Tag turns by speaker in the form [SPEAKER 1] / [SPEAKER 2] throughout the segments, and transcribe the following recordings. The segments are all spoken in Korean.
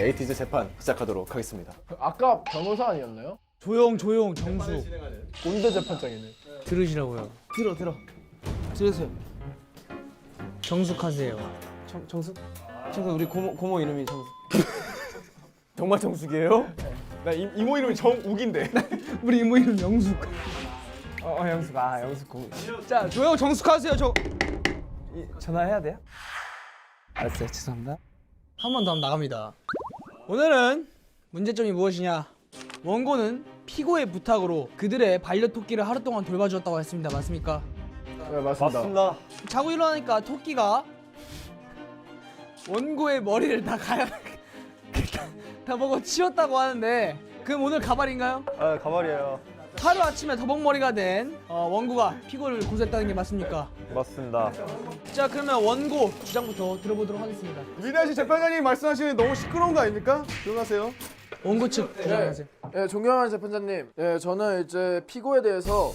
[SPEAKER 1] 에이티즈 재판 시작하도록 하겠습니다.
[SPEAKER 2] 아까 변호사 아니었나요?
[SPEAKER 3] 조용 정수
[SPEAKER 2] 꼰대 재판장이네.
[SPEAKER 3] 들으시라고요.
[SPEAKER 4] 들으세요.
[SPEAKER 3] 정숙하세요.
[SPEAKER 4] 정숙 우리 고모 이름이 정숙.
[SPEAKER 1] 정말 정숙이에요? 나 이모 이름이 정욱인데.
[SPEAKER 3] 우리 이모 이름 영숙.
[SPEAKER 4] 영숙 영숙 고모.
[SPEAKER 3] 자 조용 정숙하세요.
[SPEAKER 4] 전화해야 돼요? 알았어요. 죄송합니다.
[SPEAKER 3] 한 번 더 하면 나갑니다. 오늘은 문제점이 무엇이냐? 원고는 피고의 부탁으로 그들의 반려토끼를 하루 동안 돌봐주었다고 했습니다. 맞습니까?
[SPEAKER 2] 네, 맞습니다.
[SPEAKER 3] 자고 일어나니까 토끼가 원고의 머리를 다 다 먹어 치웠다고 하는데 그럼 오늘 가발인가요?
[SPEAKER 1] 아 가발이에요.
[SPEAKER 3] 하루 아침에 더벅머리가 된 원고가 피고를 고소했다는 게 맞습니까?
[SPEAKER 1] 맞습니다.
[SPEAKER 3] 자 그러면 원고 주장부터 들어보도록 하겠습니다.
[SPEAKER 1] 위대하신 재판장님이 말씀하시는 너무 시끄러운 거 아닙니까? 조용하세요.
[SPEAKER 3] 원고 측 주장하세요.
[SPEAKER 2] 네, 존경하는 재판장님. 네, 저는 이제 피고에 대해서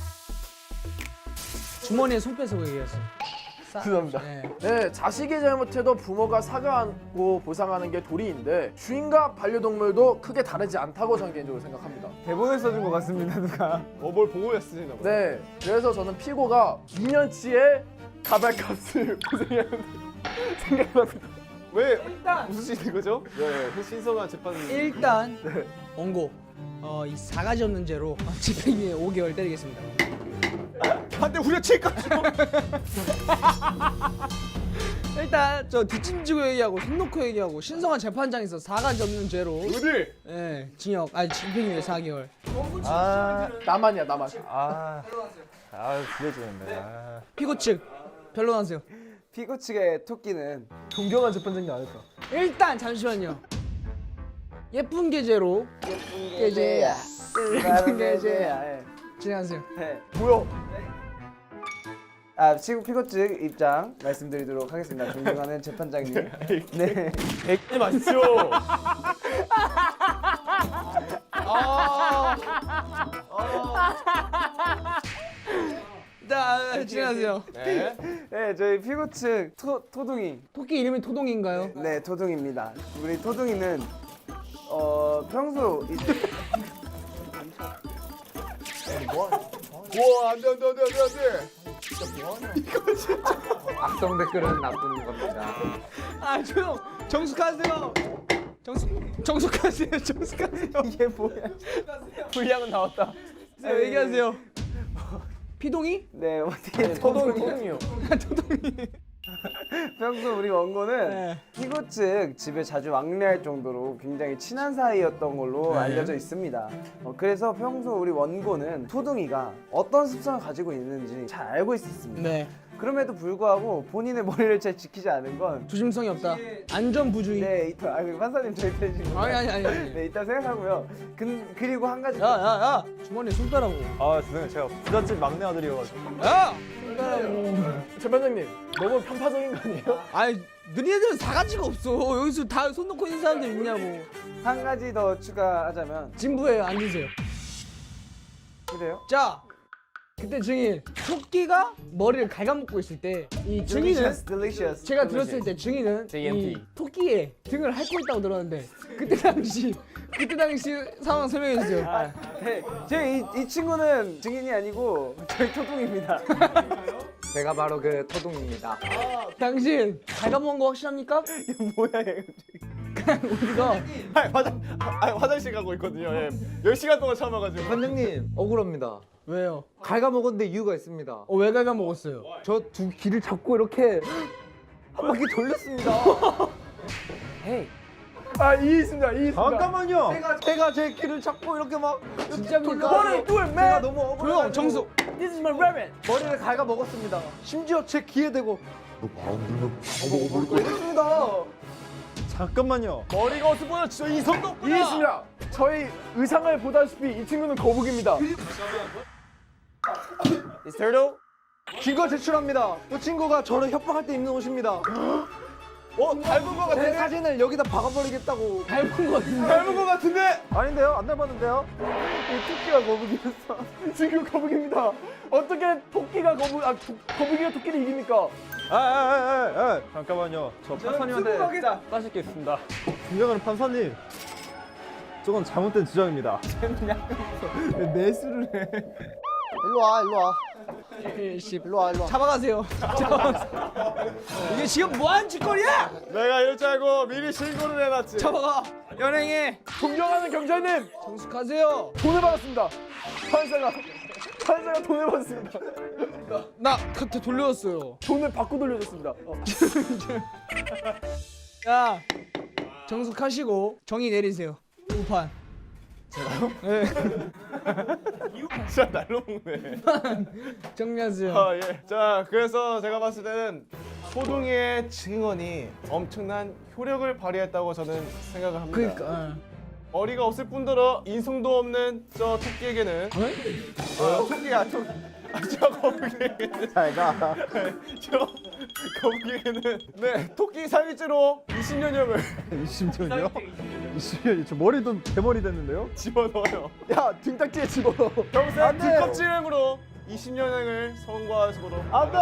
[SPEAKER 3] 주머니에 손 빼서 얘기했어요.
[SPEAKER 2] 죄송합니다.
[SPEAKER 3] 네.
[SPEAKER 2] 네, 자식이 잘못해도 부모가 사과하고 보상하는 게 도리인데 주인과 반려동물도 크게 다르지 않다고 저는 개인적으로 생각합니다.
[SPEAKER 4] 대본을 써준 것 같습니다 누가.
[SPEAKER 1] 뭘 보고 했으시나 보다.
[SPEAKER 2] 네, 그래서 저는 피고가 2년치의 가발값을 고생해야 한다고 생각합니다.
[SPEAKER 1] 왜 웃으시는 거죠? 네, 신성한 재판.
[SPEAKER 3] 일단 원고 이 사가지 없는 죄로 집행유예 5개월 때리겠습니다.
[SPEAKER 1] 한대 후려칠까?
[SPEAKER 3] 일단 저 뒷짐지고 얘기하고 손 놓고 얘기하고 신성한 재판장에서 사가지 없는 죄로
[SPEAKER 1] 어디?
[SPEAKER 3] 징역 집행유예 4개월.
[SPEAKER 2] 나만이야.
[SPEAKER 1] 기대되는데.
[SPEAKER 3] 피고 측 변론하세요.
[SPEAKER 4] 피고 측의 토끼는
[SPEAKER 2] 존경하는 재판장님 아닐까?
[SPEAKER 3] 일단 잠시만요. 예쁜 계제로 계제야.
[SPEAKER 4] 예쁜 계제야.
[SPEAKER 3] 진행하세요.
[SPEAKER 2] 뭐야?
[SPEAKER 4] 지금 피고 측 입장 말씀드리도록 하겠습니다. 존경하는 재판장님. 네.
[SPEAKER 1] 백지 마십시오.
[SPEAKER 3] 자 진행하세요.
[SPEAKER 4] 네, 저희 피고 측 토둥이.
[SPEAKER 3] 토끼 이름이 토동인가요?
[SPEAKER 4] 네, 토둥이입니다. 우리 토둥이는 평소
[SPEAKER 1] 와 안돼.
[SPEAKER 4] 악성 댓글은 나쁜 겁니다.
[SPEAKER 3] 조용. 정숙하세요. 정숙하세요.
[SPEAKER 4] 이게 뭐야?
[SPEAKER 2] 분량은 나왔다.
[SPEAKER 3] 얘기하세요. 피동이?
[SPEAKER 4] 네, 어떻게
[SPEAKER 2] 토동이요.
[SPEAKER 4] 평소 우리 원고는
[SPEAKER 3] 네.
[SPEAKER 4] 피고 측 집에 자주 왕래할 정도로 굉장히 친한 사이였던 걸로 알려져 있습니다. 그래서 평소 우리 원고는 토둥이가 어떤 습성을 가지고 있는지 잘 알고 있었습니다.
[SPEAKER 3] 네.
[SPEAKER 4] 그럼에도 불구하고 본인의 머리를 잘 지키지 않은 건
[SPEAKER 3] 조심성이 없다. 안전부주의.
[SPEAKER 4] 네, 판사님 저희 편이신 거
[SPEAKER 3] 아니.
[SPEAKER 4] 네, 이따 생각하고요. 그리고 한 가지
[SPEAKER 3] 야. 주머니에 손 빼라고.
[SPEAKER 1] 아 죄송해요. 제가 부잣집 막내 아들이어가지고.
[SPEAKER 3] 야!
[SPEAKER 2] 재판장님, 너무 편파적인 거 아니에요?
[SPEAKER 3] 아니, 너희들은 사가지가 없어. 여기서 다 손 놓고 있는 사람들 있냐고.
[SPEAKER 4] 한 가지 더 추가하자면
[SPEAKER 3] 진부예요. 앉으세요.
[SPEAKER 4] 그래요?
[SPEAKER 3] 자, 그때 증인 토끼가 머리를 갉아먹고 있을 때 이 증인은
[SPEAKER 4] delicious.
[SPEAKER 3] 제가 들었을 때 증인은 이 토끼의 등을 핥고 있다고 들었는데 그때 당시 상황 설명해 주세요.
[SPEAKER 4] 이 친구는 증인이 아니고 저희 토둥입니다. 제가 바로 그 토둥입니다.
[SPEAKER 3] 당신 갉아먹은 거 확실합니까?
[SPEAKER 4] 이게 뭐야 얘.
[SPEAKER 3] 우리가
[SPEAKER 1] 화장실 가고 있거든요. 10시간 동안 참아가지고.
[SPEAKER 5] 관장님 억울합니다.
[SPEAKER 3] 왜요?
[SPEAKER 5] 갉아먹었는데 이유가 있습니다.
[SPEAKER 3] 왜 갉아먹었어요?
[SPEAKER 5] 저 두 귀를 잡고 이렇게 한 바퀴 돌렸습니다.
[SPEAKER 4] 헤이.
[SPEAKER 2] 이 있습니다.
[SPEAKER 1] 잠깐만요.
[SPEAKER 5] 제가 제 귀를 잡고 이렇게 막
[SPEAKER 3] 진짜입니까?
[SPEAKER 5] 제가 너무 억울해.
[SPEAKER 3] 조용 정수.
[SPEAKER 2] This is my rabbit.
[SPEAKER 5] 머리를 갉아먹었습니다. 심지어 제 귀에 대고
[SPEAKER 1] 잠깐만요. 머리가 어디서 보여? 진짜 이 손도
[SPEAKER 2] 이 있습니다. 저희 의상을 보다시피 이 친구는 거북입니다.
[SPEAKER 4] It's turtle.
[SPEAKER 5] 증거 제출합니다. 이 친구가 저를 협박할 때 입는 옷입니다.
[SPEAKER 1] 닮은 거
[SPEAKER 5] 제
[SPEAKER 1] 같은데?
[SPEAKER 5] 사진을 여기다 박아버리겠다고.
[SPEAKER 3] 닮은 거 같은데.
[SPEAKER 1] 닮은 거 같은데?
[SPEAKER 5] 아닌데요? 안 닮았는데요?
[SPEAKER 4] 이 토끼가 거북이였어.
[SPEAKER 2] 지금 거북입니다. 어떻게 토끼가 거북이가 토끼를 이깁니까?
[SPEAKER 1] 잠깐만요. 저 판사님한테 따실 게 있습니다. 존경하는 판사님. 저건 잘못된 주장입니다. 매수를 해.
[SPEAKER 5] 일로 와, 일로 와. 일로 와, 일로 와.
[SPEAKER 3] 잡아가세요. 이게 지금 뭐하는 짓거리야?
[SPEAKER 1] 내가 이럴 줄 알고 미리 신고를 해놨지.
[SPEAKER 3] 잡아가. 연행해.
[SPEAKER 2] 존경하는 경찰님,
[SPEAKER 3] 정숙하세요.
[SPEAKER 2] 돈을 받았습니다. 판사가 돈을 받았습니다.
[SPEAKER 3] 나 그때 돌려줬어요.
[SPEAKER 2] 돈을 받고 돌려줬습니다.
[SPEAKER 3] 야, 정숙하시고 정의 내리세요. 우판.
[SPEAKER 1] 진짜 날로 먹네.
[SPEAKER 3] 정리하세요.
[SPEAKER 1] 아 예. 자 그래서 제가 봤을 때는 소둥이의 증언이 엄청난 효력을 발휘했다고 저는 생각을 합니다.
[SPEAKER 3] 그러니까.
[SPEAKER 1] 어리가 없을 뿐더러 인성도 없는 저 토끼에게는 토끼야 토끼. 저 거북이에게는
[SPEAKER 5] 잘가.
[SPEAKER 1] 저 거북이에게는 네 토끼 살인죄로 20년형을
[SPEAKER 5] 20년이요? 20년이 저 머리도 대머리 됐는데요?
[SPEAKER 1] 집어넣어요.
[SPEAKER 2] 야, 등딱지에 집어넣어.
[SPEAKER 1] 평생 뒷껍질행으로 20년형을 선고하시도록.
[SPEAKER 5] 안돼.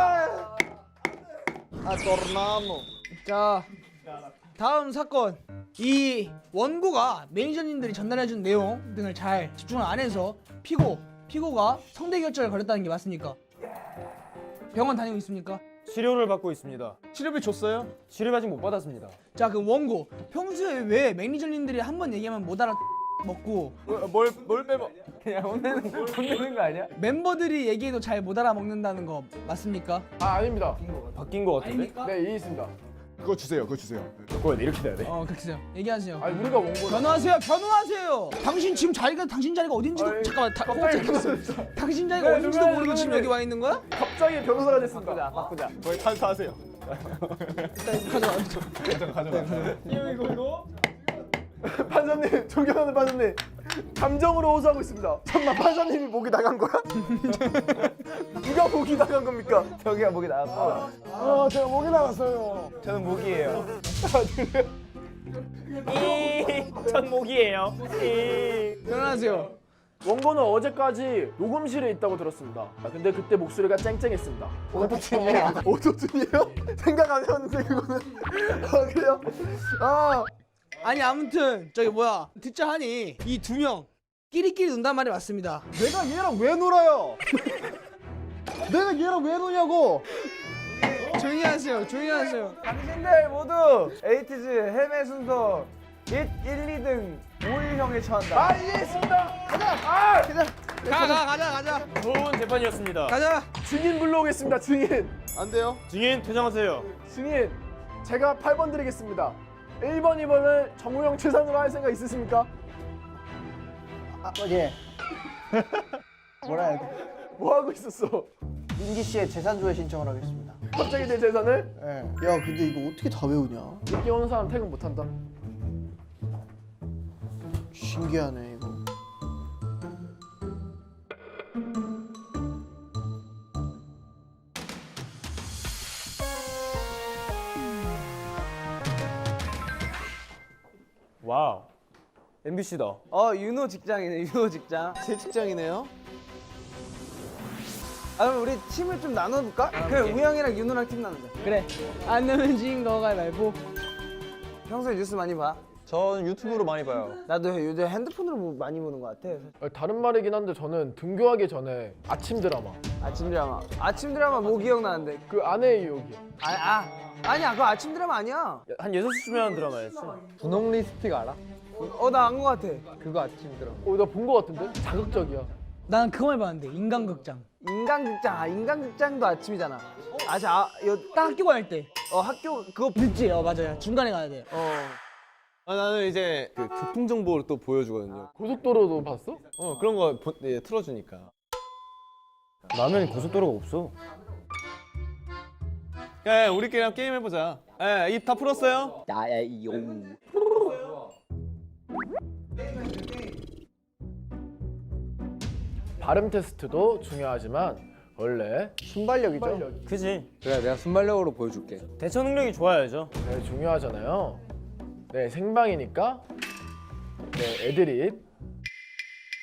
[SPEAKER 5] 아 tornamo.
[SPEAKER 3] 자, 다음 사건. 이 원고가 매니저님들이 전달해준 내용 등을 잘 집중을 안 해서 피고가 성대결절을 걸렸다는 게 맞습니까? 병원 다니고 있습니까?
[SPEAKER 1] 치료를 받고 있습니다. 치료비 줬어요? 치료비 아직 못 받았습니다.
[SPEAKER 3] 자, 그럼 원고 평소에 왜 매니저님들이 한 번 얘기하면 못 알아먹고
[SPEAKER 1] 뭘 빼먹?
[SPEAKER 4] 그냥 혼내는 거 아니야?
[SPEAKER 3] 멤버들이 얘기해도 잘 못 알아먹는다는 거 맞습니까?
[SPEAKER 2] 아, 아닙니다.
[SPEAKER 1] 바뀐 거 같은데?
[SPEAKER 2] 네, 이 있습니다.
[SPEAKER 1] 그거 주세요. 그거 주세요. 그거 이렇게 돼야 돼.
[SPEAKER 3] 그렇게 해요. 얘기하세요.
[SPEAKER 2] 아니, 우리가 원고를.
[SPEAKER 3] 변호하세요. 당신 지금 당신 자리가 어딘지도
[SPEAKER 2] 아니,
[SPEAKER 3] 잠깐만.
[SPEAKER 2] 갑자기
[SPEAKER 3] 당신 자리가
[SPEAKER 2] 네,
[SPEAKER 3] 어딘지도
[SPEAKER 2] 누구야,
[SPEAKER 3] 모르고 지금
[SPEAKER 2] 누구야.
[SPEAKER 3] 여기 와 있는 거야?
[SPEAKER 2] 갑자기 변호사가 됐습니다.
[SPEAKER 4] 바꾸자.
[SPEAKER 1] 거의 탄사하세요. 가져가.
[SPEAKER 2] 판사님, 존경하는 판사님, 감정으로 호소하고 있습니다. 잠깐만, 판사님이 목이 나간 거야? 누가 목이 나간 겁니까?
[SPEAKER 4] 저기가 목이 나왔고.
[SPEAKER 2] 제가 목이 나갔어요.
[SPEAKER 4] 저는 목이에요.
[SPEAKER 1] 전 목이에요.
[SPEAKER 3] 변호하세요.
[SPEAKER 2] 원고는 어제까지 녹음실에 있다고 들었습니다. 근데 그때 목소리가 쨍쨍했습니다. 오토튠이에요? 오토튠이에요? 생각 안 해봤는데 그거는. 아, 그래요? 아,
[SPEAKER 3] 아니 아무튼 저기 뭐야 듣자 하니 이 두 명 끼리끼리 논단 말이 맞습니다.
[SPEAKER 5] 내가 얘랑 왜 놀아요? 내가 얘랑 왜 노냐고?
[SPEAKER 3] 조용히 하세요.
[SPEAKER 4] 당신들 모두 에이티즈 헤매 순서 1, 2등 5일형에 처한다.
[SPEAKER 2] 아, 이해했습니다. 가자.
[SPEAKER 3] 가자.
[SPEAKER 1] 좋은 재판이었습니다.
[SPEAKER 3] 가자.
[SPEAKER 2] 증인 불러오겠습니다. 증인.
[SPEAKER 5] 안 돼요?
[SPEAKER 1] 증인 퇴장하세요.
[SPEAKER 2] 증인. 제가 8번 드리겠습니다. 1번, 2번을 정우영 최상으로 할 생각 있으십니까?
[SPEAKER 5] 예. 뭐라 해야 돼?
[SPEAKER 2] 뭐 하고 있었어?
[SPEAKER 5] 민기 씨의 재산 조회 신청을 하겠습니다.
[SPEAKER 2] 갑자기 내 재산을?
[SPEAKER 5] 예. 야, 근데 이거 어떻게 다 외우냐?
[SPEAKER 2] 늦게 오는 사람 퇴근 못한다.
[SPEAKER 5] 신기하네 이거.
[SPEAKER 1] 와우. MBC다.
[SPEAKER 4] 윤호 직장이네. 윤호 직장.
[SPEAKER 5] 제 직장이네요.
[SPEAKER 4] 아, 그럼 우리 팀을 좀 나눠볼까? 그래, 우영이랑 윤호랑 팀 나누자.
[SPEAKER 3] 그래. 안 내면 진 거가 말고.
[SPEAKER 4] 평소에 뉴스 많이 봐?
[SPEAKER 1] 전 유튜브로 많이 봐요.
[SPEAKER 4] 나도 요즘 핸드폰으로 많이 보는 것 같아.
[SPEAKER 2] 다른 말이긴 한데 저는 등교하기 전에 아침 드라마.
[SPEAKER 4] 아침 드라마 뭐 기억나는데?
[SPEAKER 2] 그 아내의 유혹이요.
[SPEAKER 4] 아니야, 그거 아침 드라마 아니야.
[SPEAKER 1] 한 6시쯤에 드라마였지.
[SPEAKER 5] 분홍 립스틱 알아?
[SPEAKER 4] 나 안 것 같아.
[SPEAKER 5] 그거 아침 들어.
[SPEAKER 2] 나 본 거 같은데? 자극적이야.
[SPEAKER 3] 난 그거만 봤는데 인간극장.
[SPEAKER 4] 인간극장도 아침이잖아.
[SPEAKER 3] 딱 학교 갈 때.
[SPEAKER 4] 학교 그거
[SPEAKER 3] 늦지? 맞아요. 중간에 가야 돼.
[SPEAKER 1] 나는 이제 그 교통 정보를 또 보여주거든요.
[SPEAKER 2] 고속도로도 봤어?
[SPEAKER 1] 그런 거 틀어주니까. 나는 고속도로가 없어. 야, 우리끼리 한번 게임 해보자. 입 다 풀었어요?
[SPEAKER 5] 야야용.
[SPEAKER 2] 발음 테스트도 중요하지만 원래
[SPEAKER 5] 순발력이죠.
[SPEAKER 1] 그지.
[SPEAKER 5] 그래, 내가 순발력으로 보여줄게.
[SPEAKER 1] 대처 능력이 좋아야죠.
[SPEAKER 2] 네, 중요하잖아요. 네, 생방이니까 네, 애드립.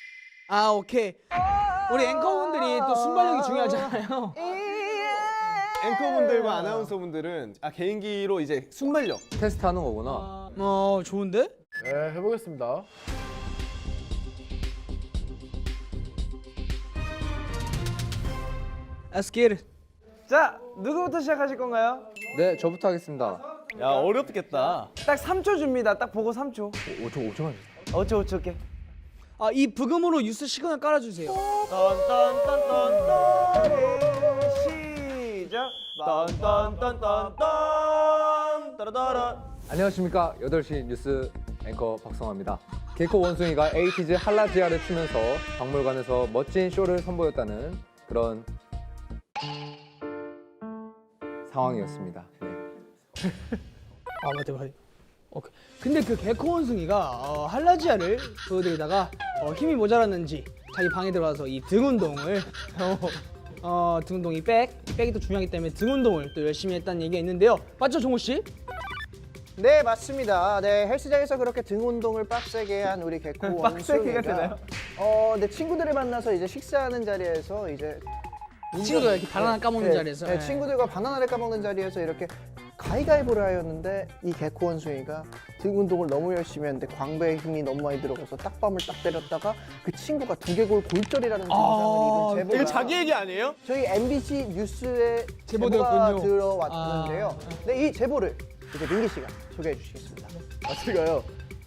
[SPEAKER 3] 오케이. 우리 앵커분들이 또 순발력이 중요하잖아요.
[SPEAKER 1] 앵커분들과 아나운서분들은 개인기로 이제 순발력.
[SPEAKER 6] 테스트하는 거구나.
[SPEAKER 3] 좋은데?
[SPEAKER 2] 네, 해보겠습니다.
[SPEAKER 3] Let's get it.
[SPEAKER 4] 자, 누구부터 시작하실 건가요?
[SPEAKER 6] 네, 저부터 하겠습니다.
[SPEAKER 1] 야 어렵겠다.
[SPEAKER 4] 딱 3초 줍니다. 딱 보고 3초.
[SPEAKER 6] 5초만.
[SPEAKER 4] 5초 올게.
[SPEAKER 3] 이 부금으로 뉴스 시그널 깔아주세요.
[SPEAKER 4] 딴딴딴딴딴 시작. 딴딴딴딴딴 따라따라.
[SPEAKER 6] 안녕하십니까. 8시 뉴스 앵커 박성화입니다. 개코 원숭이가 에이티즈 할라지아를 추면서 박물관에서 멋진 쇼를 선보였다는 그런 상황이었습니다. 네.
[SPEAKER 3] 맞다. 오케이. 근데 그 개코 원숭이가 할라지아를 보여드리다가 힘이 모자랐는지 자기 방에 들어와서 이 등 운동을 등 운동 이 백이 또 중요하기 때문에 등 운동을 또 열심히 했다는 얘기가 있는데요. 맞죠, 종호 씨?
[SPEAKER 5] 네, 맞습니다. 네, 헬스장에서 그렇게 등 운동을 빡세게 한 우리 개코 원숭이가
[SPEAKER 4] 되나요?
[SPEAKER 5] 네, 친구들을 만나서 이제 식사하는 자리에서 이제
[SPEAKER 3] 친구가 이렇게 바나나 까먹는 자리에서.
[SPEAKER 5] 네, 친구들과 바나나를 까먹는 자리에서 이렇게 가위가위보를 하였는데 이 개코 원숭이가 등 운동을 너무 열심히 했는데 광배에 힘이 너무 많이 들어가서 딱밤을 딱 때렸다가 그 친구가 두개골 골절이라는 증상을 입은
[SPEAKER 1] 이거
[SPEAKER 5] 제보가
[SPEAKER 1] 자기 얘기 아니에요?
[SPEAKER 5] 저희 MBC 뉴스에
[SPEAKER 3] 제보되었군요.
[SPEAKER 5] 제보가 들어왔는데요. 네, 이 제보를 이제 민기 씨가 소개해 주시겠습니다.
[SPEAKER 2] 제가요.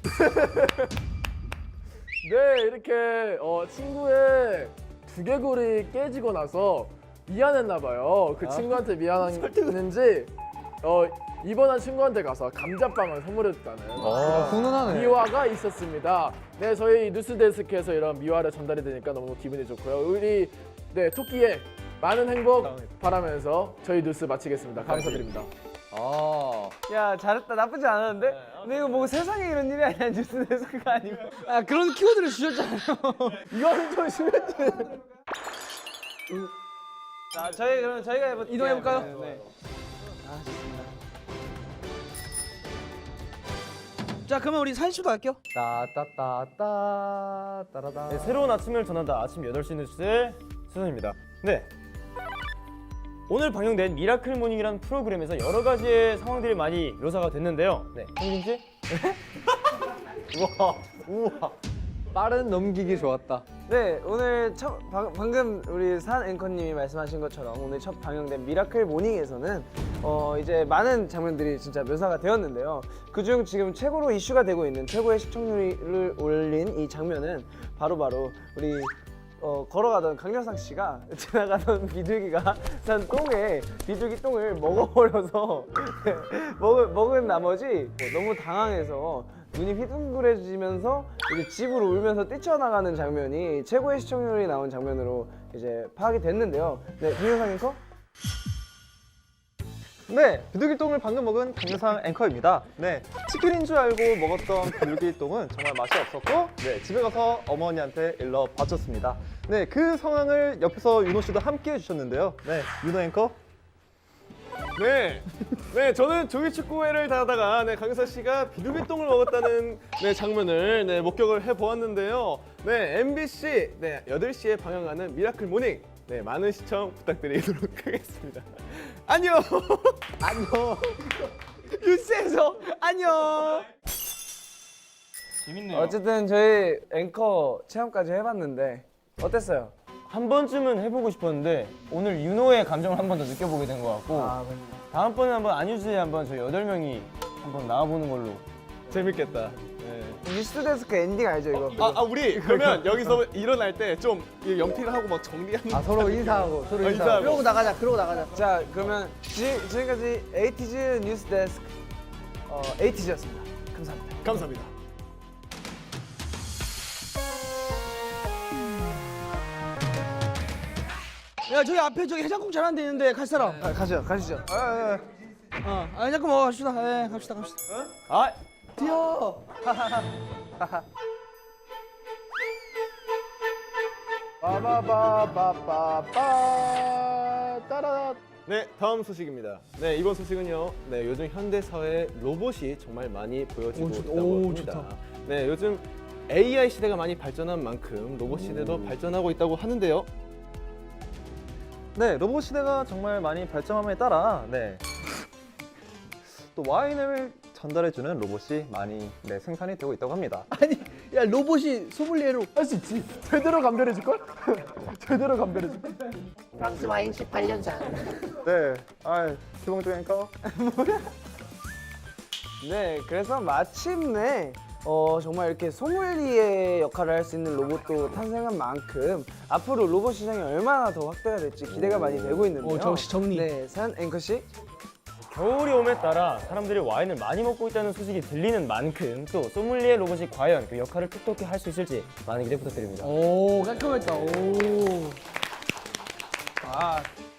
[SPEAKER 2] 네, 이렇게 친구의 두개골이 깨지고 나서 미안했나 봐요. 그 친구한테 미안했는지 입원한 친구한테 가서 감자빵을 선물해줬다는
[SPEAKER 6] 훈훈하네.
[SPEAKER 2] 미화가 있었습니다. 네, 저희 뉴스데스크에서 이런 미화를 전달이 되니까 너무 기분이 좋고요. 우리 토끼의 많은 행복 바라면서 저희 뉴스 마치겠습니다. 감사드립니다.
[SPEAKER 4] 야, 잘했다. 나쁘지 않았는데? 근데 이거 뭐 세상에 이런 일이 아니야. 뉴스 데스크가 아니고.
[SPEAKER 3] 그런 키워드를 주셨잖아요.
[SPEAKER 2] 이거는 좀 심했지.
[SPEAKER 4] 자, 그럼 저희가 해볼게요.
[SPEAKER 3] 이동해볼까요?
[SPEAKER 4] 네.
[SPEAKER 3] 자, 그러면 우리 사진 씨도 할게요.
[SPEAKER 6] 따따따따 따라다.
[SPEAKER 7] 네, 새로운 아침을 전한다. 아침 8시 뉴스의 수선입니다. 네. 오늘 방영된 미라클 모닝이라는 프로그램에서 여러 가지의 상황들이 많이 묘사가 됐는데요. 네. 홍진 씨?
[SPEAKER 6] 우와. 빠른 넘기기 좋았다.
[SPEAKER 4] 네, 오늘 방금 우리 산 앵커님이 말씀하신 것처럼 오늘 첫 방영된 미라클 모닝에서는 이제 많은 장면들이 진짜 묘사가 되었는데요. 그중 지금 최고로 이슈가 되고 있는 최고의 시청률을 올린 이 장면은 바로 우리 걸어가던 강렬상 씨가 지나가던 비둘기가 산 똥에 비둘기 똥을 먹어버려서 먹은 나머지 너무 당황해서 눈이 휘둥그레지면서 이제 집으로 울면서 뛰쳐나가는 장면이 최고의 시청률이 나온 장면으로 이제 파악이 됐는데요. 네, 김효상 앵커?
[SPEAKER 8] 네, 비둘기똥을 방금 먹은 강유상 앵커입니다. 네, 치킨인 줄 알고 먹었던 비둘기똥은 정말 맛이 없었고, 네, 집에 가서 어머니한테 일러 바쳤습니다. 네, 그 상황을 옆에서 윤호 씨도 함께 해주셨는데요. 네, 윤호 앵커.
[SPEAKER 1] 네, 저는 조기축구회를 다하다가 강유사 씨가 비둘기똥을 먹었다는 장면을 목격을 해보았는데요. 네, MBC 8시에 방영하는 미라클 모닝 많은 시청 부탁드리도록 하겠습니다. 안녕.
[SPEAKER 3] 안녕. 뉴스에서 안녕.
[SPEAKER 7] 재밌네요.
[SPEAKER 4] 어쨌든 저희 앵커 체험까지 해봤는데 어땠어요?
[SPEAKER 7] 한 번쯤은 해보고 싶었는데 오늘 윤호의 감정을 한 번 더 느껴보게 된 것 같고 다음번에 한번 안유주에 한번 저희 8명이 한번 나와보는 걸로.
[SPEAKER 1] 재밌겠다.
[SPEAKER 4] 뉴스데스크 엔딩 알죠 이거?
[SPEAKER 1] 우리 그러면 여기서 일어날 때 좀 연필을 하고 막 정리하는.
[SPEAKER 6] 서로 인사하고 서로 인사하고.
[SPEAKER 1] 인사하고.
[SPEAKER 5] 그러고 나가자.
[SPEAKER 4] 자, 그러면 지금까지 에이티즈 뉴스데스크 에이티즈였습니다. 감사합니다.
[SPEAKER 1] 감사합니다.
[SPEAKER 3] 야, 저기 앞에 해장국 잘하는 데 있는데 갈 사람.
[SPEAKER 4] 가시죠.
[SPEAKER 3] 해장국 먹어 갑시다. 네, 갑시다.
[SPEAKER 7] 아,
[SPEAKER 2] 빠바바바바바 따라.
[SPEAKER 1] 네, 다음 소식입니다. 네, 이번 소식은요. 네, 요즘 현대 사회에 로봇이 정말 많이 보여지고 있다고 합니다.
[SPEAKER 3] 좋다.
[SPEAKER 1] 네, 요즘 AI 시대가 많이 발전한 만큼 로봇 시대도 발전하고 있다고 하는데요.
[SPEAKER 8] 네, 로봇 시대가 정말 많이 발전함에 따라 네. 또 와인을 전달해주는 로봇이 많이 네, 생산이 되고 있다고 합니다.
[SPEAKER 3] 아니 야 로봇이 소믈리에로
[SPEAKER 2] 할 수 있지. 제대로 감별해 줄 걸? 제대로 감별해 줄 걸?
[SPEAKER 5] 프랑스 와인 18년산.
[SPEAKER 8] 네, 기본적인 앵커.
[SPEAKER 4] 네, 그래서 마침내 정말 이렇게 소믈리에 역할을 할 수 있는 로봇도 탄생한 만큼 앞으로 로봇 시장이 얼마나 더 확대가 될지 기대가 많이 되고 있는데요.
[SPEAKER 3] 역시 정리.
[SPEAKER 4] 네, 산 앵커 씨.
[SPEAKER 7] 겨울이 옴에 따라 사람들이 와인을 많이 먹고 있다는 소식이 들리는 만큼 또 소믈리에 로봇이 과연 그 역할을 톡톡히 할 수 있을지 많은 기대 부탁드립니다.
[SPEAKER 3] 오 깔끔했다. 오.
[SPEAKER 2] 아